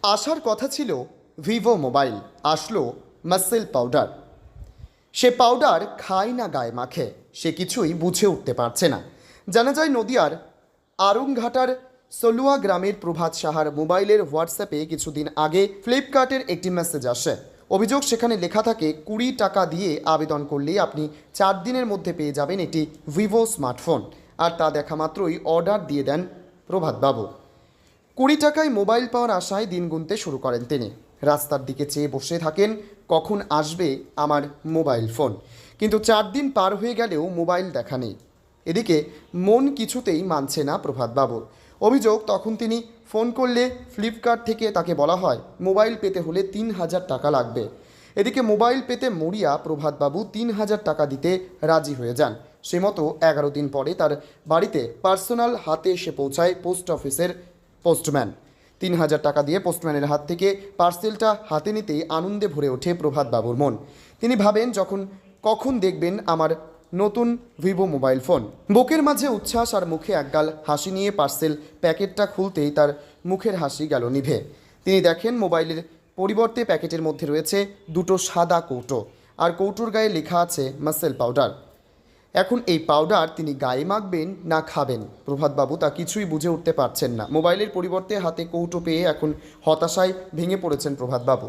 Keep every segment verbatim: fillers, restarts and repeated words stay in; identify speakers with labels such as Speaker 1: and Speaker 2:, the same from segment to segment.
Speaker 1: আসার কথা ছিল ভিভো মোবাইল, আসলো মাসেল পাউডার। সে পাউডার খায় না গায়ে মাখে, সে কিছুই বুঝে উঠতে পারছে না। জানা যায় নদিয়ার আরুংঘাটার সলুয়া গ্রামের প্রভাত সাহার মোবাইলের হোয়াটসঅ্যাপে কিছুদিন আগে ফ্লিপকার্টের একটি মেসেজ আসে। অভিযোগ সেখানে লেখা থাকে, কুড়ি টাকা দিয়ে আবেদন করলেই আপনি চার দিনের মধ্যে পেয়ে যাবেন একটি ভিভো স্মার্টফোন। আর তা দেখা মাত্রই অর্ডার দিয়ে দেন প্রভাতবাবু। কুড়ি টাকায় মোবাইল পাওয়ার আশায় দিন গুনতে শুরু করেন তিনি। রাস্তার দিকে চেয়ে বসে থাকেন, কখন আসবে আমার মোবাইল ফোন। কিন্তু চার দিন পার হয়ে গেলেও মোবাইল দেখা নেই। এদিকে মন কিছুতেই মানছে না প্রভাতবাবুর। অভিযোগ, তখন তিনি ফোন করলে ফ্লিপকার্ট থেকে তাকে বলা হয় মোবাইল পেতে হলে তিন হাজার টাকা লাগবে। এদিকে মোবাইল পেতে মরিয়া প্রভাতবাবু তিন হাজার টাকা দিতে রাজি হয়ে যান। সে মতো এগারো দিন পরে তার বাড়িতে পার্সোনাল হাতে এসে পৌঁছায় পোস্ট অফিসের পোস্টম্যান। তিন হাজার টাকা দিয়ে পোস্টম্যানের হাত থেকে পার্সেলটা হাতে নিতেই আনন্দে ভরে ওঠে প্রভাতবাবুর মন। তিনি ভাবেন, যখন কখন দেখবেন আমার নতুন ভিভো মোবাইল ফোন। বুকের মাঝে উচ্ছ্বাস আর মুখে একগাল হাসি নিয়ে পার্সেল প্যাকেটটা খুলতেই তার মুখের হাসি গেল নিভে। তিনি দেখেন মোবাইলের পরিবর্তে প্যাকেটের মধ্যে রয়েছে দুটো সাদা কৌটো, আর কৌটোর গায়ে লেখা আছে মাসেল পাউডার। এখন এই পাউডার তিনি গায়ে মাখবেন না খাবেন, প্রভাতবাবু তা কিছুই বুঝে উঠতে পারছেন না। মোবাইলের পরিবর্তে হাতে কৌটো পেয়ে এখন হতাশায় ভেঙে পড়েছেন প্রভাতবাবু।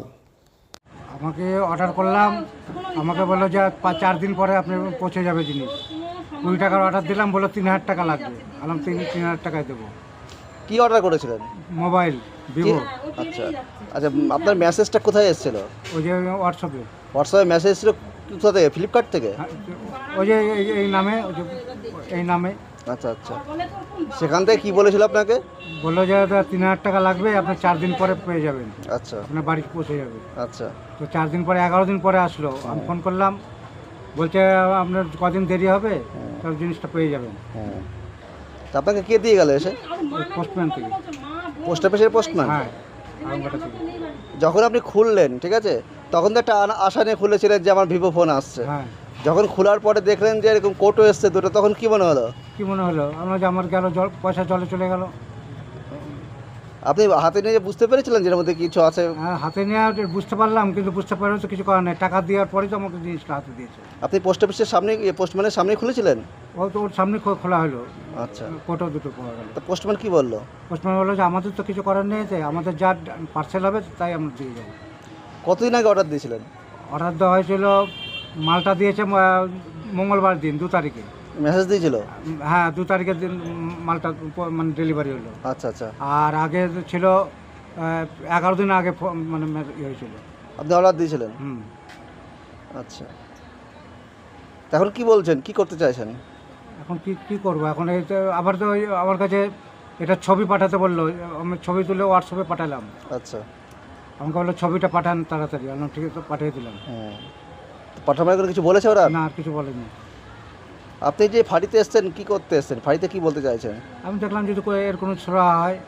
Speaker 2: আমাকে অর্ডার করলাম, আমাকে বললো যে পাঁচ চার দিন পরে আপনি পৌঁছে যাবে জিনিস। কুড়ি টাকার অর্ডার দিলাম, বললো তিন হাজার টাকা লাগবে। আলাম তিন তিন হাজার টাকায় দেবো।
Speaker 3: কি অর্ডার করেছিলেন?
Speaker 2: Mobile Vivo.
Speaker 3: আচ্ছা আচ্ছা, আপনার মেসেজটা কোথায় এসেছিল?
Speaker 2: ওই যে হোয়াটসঅ্যাপে।
Speaker 3: হোয়াটসঅ্যাপে মেসেজ এসেছিল কোথা থেকে? ফ্লিপকার্ট থেকে?
Speaker 2: ওই যে এই- এই নামে ওই যে এই নামে।
Speaker 3: আচ্ছা আচ্ছা, সেখান থেকে কি বলেছিল আপনাকে?
Speaker 2: বললো যে তিন হাজার টাকা লাগবে, আপনি চার দিন পরে পেয়ে যাবেন,
Speaker 3: আচ্ছা
Speaker 2: আপনার বাড়ি পৌঁছে যাবে।
Speaker 3: আচ্ছা,
Speaker 2: তো চার দিন পরে এগারো দিন পরে আসলো। আমি ফোন করলাম, বলছে আপনার কদিন দেরি হবে, সব জিনিসটা পেয়ে যাবেন।
Speaker 3: হুম, তা আপনাকে কে দিয়ে গেল এসে?
Speaker 2: পোস্টম্যান থেকে।
Speaker 3: পোস্ট অফিসের পোস্টম্যান?
Speaker 2: হ্যাঁ, আরামবাটা থেকে।
Speaker 3: যখন আপনি খুললেন, ঠিক আছে, তখন তো একটা আনা- আশা নিয়ে খুলেছিলেন যে আমার ভিভো ফোন আসছে।
Speaker 2: হ্যাঁ,
Speaker 3: যখন খোলার পরে দেখলেন যে এরকম কোটো এসছে দুটো, তখন কি মনে হলো?
Speaker 2: কি মনে হলো আমরা যে আমার গেল জল, পয়সা জলে চলে গেল।
Speaker 3: আপনি হাতে নিয়ে বুঝতে পেরেছিলেন যে এর মধ্যে কিছু আছে?
Speaker 2: হ্যাঁ, হাতে নিয়ে বুঝতে পারলাম, কিন্তু বুঝতে পারলাম তো কিছু করার নেই। টাকা দেওয়ার পরেই তো আমাকে জিনিসটা হাতে দিয়েছে।
Speaker 3: আপনি পোস্ট অফিসের সামনে, পোস্টম্যানের সামনে খুলেছিলেন?
Speaker 2: ও তো ওর সামনে খো- খোলা হলো,
Speaker 3: আচ্ছা,
Speaker 2: কোটো দুটো পাওয়া গেল।
Speaker 3: তা পোস্টম্যান কি বললো?
Speaker 2: পোস্টম্যান বললো যে আমাদের তো কিছু করার নেই, যে আমাদের যা পার্সেল হবে তাই আমরা দিয়ে যাবো।
Speaker 3: কতদিন আগে অর্ডার দিয়েছিলেন?
Speaker 2: অর্ডার দেওয়া হয়েছিল, মালটা দিয়েছে আহ, মঙ্গলবার দিন দু তারিখে।
Speaker 3: মেসেজ দিয়েছিল?
Speaker 2: হ্যাঁ, দু তারিখের দিন মালটা প- মানে ডেলিভারি হলো।
Speaker 3: আচ্ছা আচ্ছা,
Speaker 2: আর আগে ছিল আহ, এগারো দিন আগে ফো- মানে মে- ইয়ে হয়েছিল।
Speaker 3: আপনি অর্ডার দিয়েছিলেন?
Speaker 2: হুম,
Speaker 3: আচ্ছা, তা এখন কি বলছেন, কি করতে চাইছেন?
Speaker 2: এখন কি কি করবো এখন? এই তো আবার তো ওই আমার কাছে এটা ছবি পাঠাতে বললো, আমি ছবি তুলে হোয়াটসঅ্যাপে পাঠালাম।
Speaker 3: আচ্ছা,
Speaker 2: আমাকে বললো ছবিটা পাঠান তাড়াতাড়ি। আমি ঠিক আছে, পাঠিয়ে দিলাম।
Speaker 3: হুম, পাঠানোর করে কিছু বলেছে ওরা?
Speaker 2: না, আর কিছু বলেনি।
Speaker 3: আপনি যে ফাঁড়িতে এসছেন, কি করতে এসছেন? ফাঁড়িতে কি বলতে চাইছেন?
Speaker 2: আমি দেখলাম যদি কো- এর কোনো ছোড়া হয়।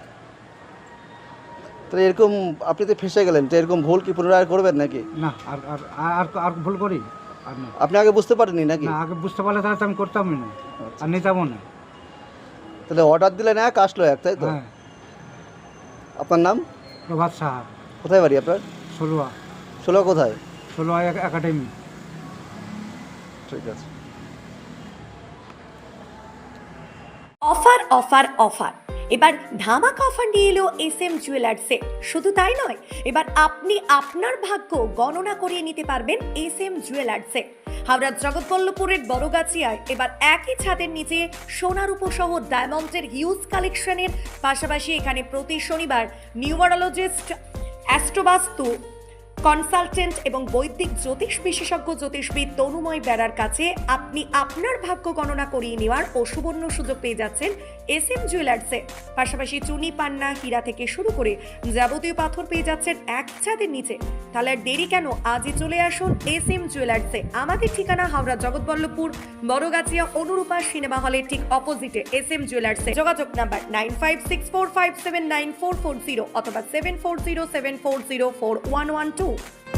Speaker 3: তো এরকম আপনি তো ফেসে গেলেন, তো এরকম ভুল কি পুনরায় করবেন নাকি?
Speaker 2: না, আর আর আর আর ভুল করি আর না।
Speaker 3: আপনি আগে বুঝতে পারেননি নাকি?
Speaker 2: না, আগে বুঝতে পারলে তাহলে তো আমি করতামই না, আর নিতামও না।
Speaker 3: তাহলে অর্ডার দিলেন এক, আসলো এক, তাই তো?
Speaker 2: হ্যাঁ,
Speaker 3: আপনার নাম?
Speaker 2: প্রভাত সাহা,
Speaker 3: কোথায় বাড়ি আপনার?
Speaker 2: ষোলোয়া।
Speaker 3: ষোলো কোথায়?
Speaker 2: ষোলোয়া একাডেমি।
Speaker 3: ঠিক আছে।
Speaker 4: অফার অফার অফার এবার ধামাকা অফার নিয়ে এলো এস এম জুয়েলার্সে। শুধু তাই নয়, এবার আপনি আপনার ভাগ্য গণনা করিয়ে নিতে পারবেন এস এম জুয়েলার্সে। হাওড়ার জগৎবল্লভপুরের বড়গাছিয়ায় এবার একই ছাদের নিচে সোনার উপসহ ডায়মন্ডের হিউজ কালেকশনের পাশাপাশি এখানে প্রতি শনিবার নিউমারোলজিস্ট, অ্যাস্ট্রোবাস্তু কনসালটেন্ট এবং বৈদিক জ্যোতিষ বিশেষজ্ঞ জ্যোতিষবিদ তনুময় বেড়ার কাছে আপনি আপনার ভাগ্য গণনা করিয়ে নেওয়ার ও সুবর্ণ সুযোগ পেয়ে যাচ্ছেন এস এম জুয়েলার্সে। পাশাপাশি চুনি, পান্না, হীরা থেকে শুরু করে যাবতীয় পাথর পেয়ে যাচ্ছেন এক ছাদের নিচে। তাহলে আর দেরি কেন, আজই চলে আসুন এস এম জুয়েলার্সে। আমাদের ঠিকানা হাওড়া জগৎবল্লভপুর বড়গাছিয়া অনুরূপা সিনেমা হলের ঠিক অপোজিটে এস এম জুয়েলার্সে। যোগাযোগ number nine five six four five seven nine four four zero অথবা seven four zero seven four zero four one one two.